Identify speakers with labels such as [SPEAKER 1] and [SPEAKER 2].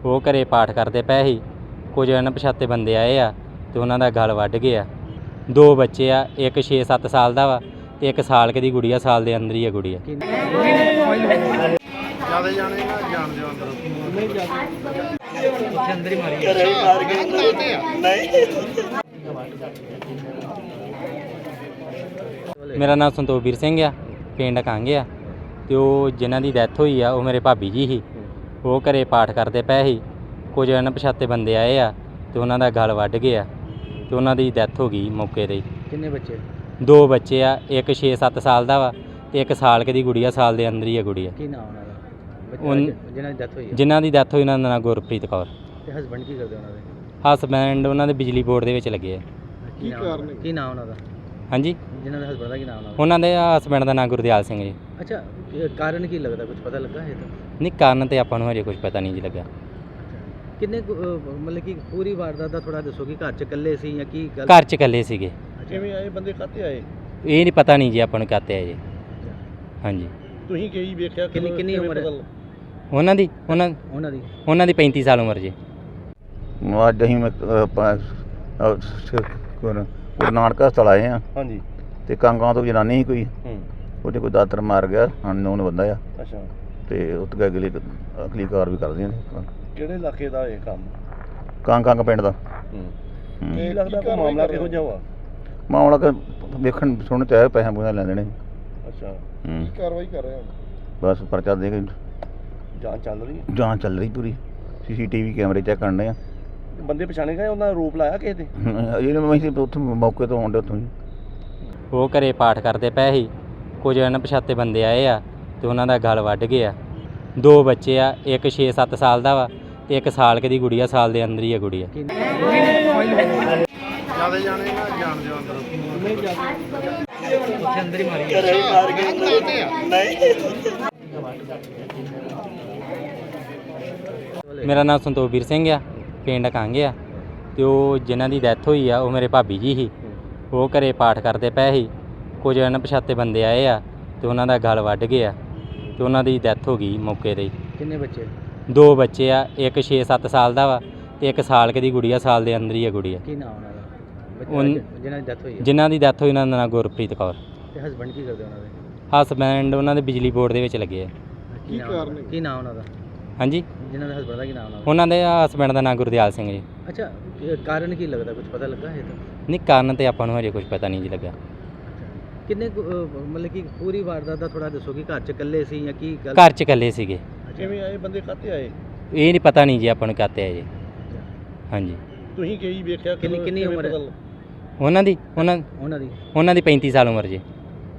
[SPEAKER 1] ਉਹ ਘਰੇ ਪਾਠ ਕਰਦੇ ਪਏ ਸੀ। ਕੁਝ ਅਣਪਛਾਤੇ ਬੰਦੇ ਆਏ ਆ ਤੇ ਉਹਨਾਂ ਦਾ ਗਲ ਵੱਢ ਗਿਆ। 2 ਬੱਚੇ ਆ, ਇੱਕ 6-7 ਸਾਲ ਦਾ ਵਾ ਤੇ ਇੱਕ ਸਾਲ ਕੁ ਦੀ ਗੁੜੀਆ, ਸਾਲ ਦੇ ਅੰਦਰ ਹੀ ਆ ਗੁੜੀਆ।
[SPEAKER 2] ਜਿਆਦਾ ਜਾਣੇ ਨਾ ਜਾਣ ਦਿਓ ਅੰਦਰ ਨਹੀਂ ਜਾਂਦੇ ਅੰਦਰ ਹੀ ਮਾਰੀ
[SPEAKER 1] ਮੇਰਾ ਨਾਮ ਸੰਤੋਖਵੀਰ ਸਿੰਘ ਆ, ਪਿੰਡ ਕਾਂਗੇ ਆ ਤੇ ਉਹ ਜਿਨ੍ਹਾਂ ਦੀ ਡੈਥ ਹੋਈ ਆ ਉਹ ਮੇਰੇ ਭਾਬੀ ਜੀ ਸੀ। ਉਹ ਘਰੇ ਪਾਠ ਕਰਦੇ ਪਏ ਸੀ। ਕੁਝ ਅਣਪਛਾਤੇ ਬੰਦੇ ਆਏ ਆ ਤੇ ਉਹਨਾਂ ਦਾ ਗਲ ਵੱਢ ਗਿਆ ਤੇ ਉਹਨਾਂ ਦੀ ਡੈਥ ਹੋ ਗਈ ਮੌਕੇ 'ਤੇ ਹੀ।
[SPEAKER 3] ਕਿੰਨੇ ਬੱਚੇ?
[SPEAKER 1] 2 ਬੱਚੇ ਆ, ਇੱਕ 6-7 ਸਾਲ ਦਾ ਵਾ ਤੇ ਇੱਕ ਸਾਲ ਕੁ ਦੀ ਗੁੜੀਆ, ਸਾਲ ਦੇ ਅੰਦਰ ਹੀ ਆ ਗੁੜੀਆ।
[SPEAKER 3] ਕੀ ਨਾਮ ਉਹਨਾਂ ਦਾ ਜਿਹਨਾਂ ਦੀ ਡੈਥ ਹੋਈ ਹੈ?
[SPEAKER 1] ਜਿਨ੍ਹਾਂ ਦੀ ਡੈਥ ਹੋਈ ਉਹਨਾਂ ਦਾ ਨਾਂ ਗੁਰਪ੍ਰੀਤ ਕੌਰ।
[SPEAKER 3] ਤੇ ਹਸਬੰਡ ਕੀ ਕਰਦੇ ਉਹਨਾਂ ਦੇ?
[SPEAKER 1] ਹਸਬੈਂਡ ਉਹਨਾਂ ਦੇ ਬਿਜਲੀ ਬੋਰਡ ਦੇ ਵਿੱਚ ਲੱਗੇ ਆ।
[SPEAKER 3] ਕੀ ਨਾਮ ਉਹਨਾਂ ਦਾ?
[SPEAKER 1] ਹਾਂਜੀ,
[SPEAKER 3] ਜਿਹਨਾਂ ਦਾ ਹਸਬੰਡ ਦਾ ਕੀ ਨਾਮ ਉਹਨਾਂ ਦਾ?
[SPEAKER 1] ਉਹਨਾਂ ਦੇ ਹਸਬੈਂਡ ਦਾ ਨਾਂ ਗੁਰਦਿਆਲ ਸਿੰਘ ਜੀ।
[SPEAKER 3] ਅੱਛਾ, ਕਾਰਨ ਕੀ ਲੱਗਦਾ, ਕੁਝ ਪਤਾ ਲੱਗਾ ਹੈ ਤਾਂ?
[SPEAKER 1] ਨਹੀਂ, ਕਾਰਨ ਤੇ ਆਪਾਂ ਨੂੰ ਹਜੇ ਕੁਝ ਪਤਾ ਨਹੀਂ ਜੀ ਲੱਗਾ।
[SPEAKER 3] ਕਿੰਨੇ ਮਤਲਬ ਕਿ ਪੂਰੀ ਵਾਰਦਾਤ ਦਾ ਥੋੜਾ ਦੱਸੋ ਕਿ ਘਰ 'ਚ ਇਕੱਲੇ ਸੀ ਜਾਂ ਕੀ ਗੱਲ?
[SPEAKER 1] ਘਰ 'ਚ ਇਕੱਲੇ ਸੀਗੇ।
[SPEAKER 2] ਕਿਵੇਂ ਆਏ ਬੰਦੇ ਕਾਤੇ ਆਏ?
[SPEAKER 1] ਇਹ ਨਹੀਂ ਪਤਾ ਨਹੀਂ ਜੀ ਆਪਾਂ ਨੂੰ ਕਾਤੇ ਆ ਜੀ। ਹਾਂਜੀ,
[SPEAKER 2] ਤੁਸੀਂ ਕੀ ਵੇਖਿਆ?
[SPEAKER 3] ਕਿੰਨੀ ਉਮਰ ਹੈ
[SPEAKER 1] ਉਹਨਾਂ ਦੀ? ਉਹਨਾਂ ਦੀ 35 ਸਾਲ ਉਮਰ ਜੀ।
[SPEAKER 4] ਅੱਜ ਅਸੀਂ ਗੁਰੂ ਨਾਨਕ ਹਸਪਤਾਲ ਆਏ ਆ।
[SPEAKER 2] ਹਾਂਜੀ।
[SPEAKER 4] ਤੇ ਕਾਂਗਾਂ ਤੋਂ ਜਨਾਨੀ ਸੀ ਕੋਈ, ਉਹਦੇ ਕੋਈ ਦਾਤਰ ਮਾਰ ਗਿਆ, ਅਨਨੋਨ ਬੰਦਾ ਆ।
[SPEAKER 2] ਅੱਛਾ।
[SPEAKER 4] ਤੇ ਉੱਥੇ ਅਗਲੀ ਕਾਰ ਵੀ ਕਰਦੇ ਨੇ।
[SPEAKER 2] ਕਿਹੜੇ ਇਲਾਕੇ ਦਾ ਇਹ ਕੰਮ?
[SPEAKER 4] ਕਾਂਗ ਪਿੰਡ ਦਾ।
[SPEAKER 2] ਕੀ ਲੱਗਦਾ ਕੋਈ ਮਾਮਲਾ ਕਿਹੋ ਜਿਹਾ ਵਾ?
[SPEAKER 4] ਮਾਮਲਾ ਕਿ ਵੇਖਣ ਸੁਣ ਤੇ ਆਇਆ, ਪੈਸਾ ਪੂਸਾ ਲੈ ਲੈਣੇ।
[SPEAKER 2] ਅੱਛਾ। ਕੀ ਕਾਰਵਾਈ ਕਰ ਰਹੇ ਹੋ?
[SPEAKER 4] ਬਸ ਪਰਚਾ ਦੇ ਕੇ
[SPEAKER 2] ਜਾਂਚ ਚੱਲ ਰਹੀ ਹੈ?
[SPEAKER 4] ਜਾਂਚ ਚੱਲ ਰਹੀ ਪੂਰੀ। CCTV ਕੈਮਰੇ ਚੈੱਕ ਕਰਨੇ ਆ।
[SPEAKER 2] ਬੰਦੇ ਪਛਾਣੇ ਗਏ? ਉਹਨਾਂ ਦਾ ਰੂਪ ਲਾਇਆ ਕਿਸੇ ਤੇ?
[SPEAKER 4] ਇਹ ਉੱਥੋਂ ਮੌਕੇ ਤੋਂ ਆਉਂਦੇ ਉੱਥੋਂ ਹੀ।
[SPEAKER 1] ਉਹ ਘਰੇ ਪਾਠ ਕਰਦੇ ਪਏ ਸੀ। ਕੁਝ ਅਣਪਛਾਤੇ ਬੰਦੇ ਆਏ ਆ ਤੇ ਉਹਨਾਂ ਦਾ ਗਲ ਵੱਢ ਗਿਆ। 2 ਬੱਚੇ ਆ, ਇੱਕ 6-7 ਸਾਲ ਦਾ ਵਾ ਤੇ ਇੱਕ ਸਾਲ ਕੁ ਦੀ ਗੁੜੀਆ, ਸਾਲ ਦੇ ਅੰਦਰ ਹੀ ਆ ਗੁੜੀਆ।
[SPEAKER 2] ਜਿਆਦਾ ਜਾਣੇ ਨਾ ਜਾਣ ਦਿਓ ਅੰਦਰ ਨਹੀਂ ਜਾਂਦੇ
[SPEAKER 3] ਅੰਦਰ ਹੀ ਮਾਰੀ
[SPEAKER 1] ਮੇਰਾ ਨਾਮ ਸੰਤੋਖਵੀਰ ਸਿੰਘ ਆ, ਪਿੰਡ ਕਾਂਗੇ ਆ ਤੇ ਉਹ ਜਿਨ੍ਹਾਂ ਦੀ ਡੈਥ ਹੋਈ ਆ ਉਹ ਮੇਰੇ ਭਾਬੀ ਜੀ ਸੀ। ਉਹ ਘਰੇ ਪਾਠ ਕਰਦੇ ਪਏ ਸੀ। ਕੁਝ ਅਣਪਛਾਤੇ ਬੰਦੇ ਆਏ ਆ ਤੇ ਉਹਨਾਂ ਦਾ ਗਲ ਵੱਢ ਗਿਆ ਤੇ ਉਹਨਾਂ ਦੀ ਡੈਥ ਹੋ ਗਈ ਮੌਕੇ 'ਤੇ ਹੀ।
[SPEAKER 3] ਕਿੰਨੇ ਬੱਚੇ?
[SPEAKER 1] 2 ਬੱਚੇ ਆ, ਇੱਕ 6-7 ਸਾਲ ਦਾ ਵਾ ਤੇ ਇੱਕ ਸਾਲ ਕੁ ਦੀ ਗੁੜੀਆ, ਸਾਲ ਦੇ ਅੰਦਰ ਹੀ ਆ ਗੁੜੀਆ।
[SPEAKER 3] ਕੀ ਨਾਮ ਉਹਨਾਂ ਦਾ ਜਿਹਨਾਂ ਦੀ ਡੈਥ ਹੋਈ ਹੈ?
[SPEAKER 1] ਜਿਨ੍ਹਾਂ ਦੀ ਡੈਥ ਹੋਈ ਉਹਨਾਂ ਦਾ ਨਾਂ ਗੁਰਪ੍ਰੀਤ ਕੌਰ।
[SPEAKER 3] ਤੇ ਹਸਬੰਡ ਕੀ ਕਰਦੇ ਉਹਨਾਂ ਦੇ?
[SPEAKER 1] ਹਸਬੈਂਡ ਉਹਨਾਂ ਦੇ ਬਿਜਲੀ ਬੋਰਡ ਦੇ ਵਿੱਚ ਲੱਗੇ ਆ।
[SPEAKER 2] ਕੀ ਕਾਰਨ?
[SPEAKER 3] ਕੀ ਨਾਮ ਉਹਨਾਂ ਦਾ?
[SPEAKER 1] ਹਾਂਜੀ,
[SPEAKER 3] ਜਿਹਨਾਂ ਦਾ ਹਸਬੰਡ ਦਾ ਕੀ ਨਾਮ ਉਹਨਾਂ ਦਾ?
[SPEAKER 1] ਉਹਨਾਂ ਦੇ ਹਸਬੈਂਡ ਦਾ ਨਾਂ ਗੁਰਦਿਆਲ ਸਿੰਘ ਜੀ।
[SPEAKER 3] ਅੱਛਾ, ਕਾਰਨ ਕੀ ਲੱਗਦਾ, ਕੁਝ ਪਤਾ ਲੱਗਾ ਹੈ ਤਾਂ?
[SPEAKER 1] ਨਹੀਂ, ਕਾਰਨ ਤੇ ਆਪਾਂ ਨੂੰ ਹਜੇ ਕੁਝ ਪਤਾ ਨਹੀਂ ਜੀ ਲੱਗਾ।
[SPEAKER 3] ਕਿੰਨੇ ਮਤਲਬ ਕਿ ਪੂਰੀ ਵਾਰਦਾਤ ਦਾ ਥੋੜਾ ਦੱਸੋ ਕਿ ਘਰ 'ਚ ਇਕੱਲੇ ਸੀ ਜਾਂ ਕੀ ਗੱਲ?
[SPEAKER 1] ਘਰ 'ਚ ਇਕੱਲੇ ਸੀਗੇ।
[SPEAKER 2] ਕਿਵੇਂ ਆਏ ਬੰਦੇ ਕਾਤੇ ਆਏ?
[SPEAKER 1] ਇਹ ਨਹੀਂ ਪਤਾ ਨਹੀਂ ਜੀ ਆਪਾਂ ਨੂੰ ਕਾਤੇ ਆ ਜੀ। ਹਾਂਜੀ,
[SPEAKER 2] ਤੁਸੀਂ ਕੀ ਵੇਖਿਆ?
[SPEAKER 3] ਕਿੰਨੀ ਉਮਰ ਹੈ
[SPEAKER 1] ਉਹਨਾਂ ਦੀ? ਉਹਨਾਂ ਦੀ 35 ਸਾਲ ਉਮਰ ਜੀ।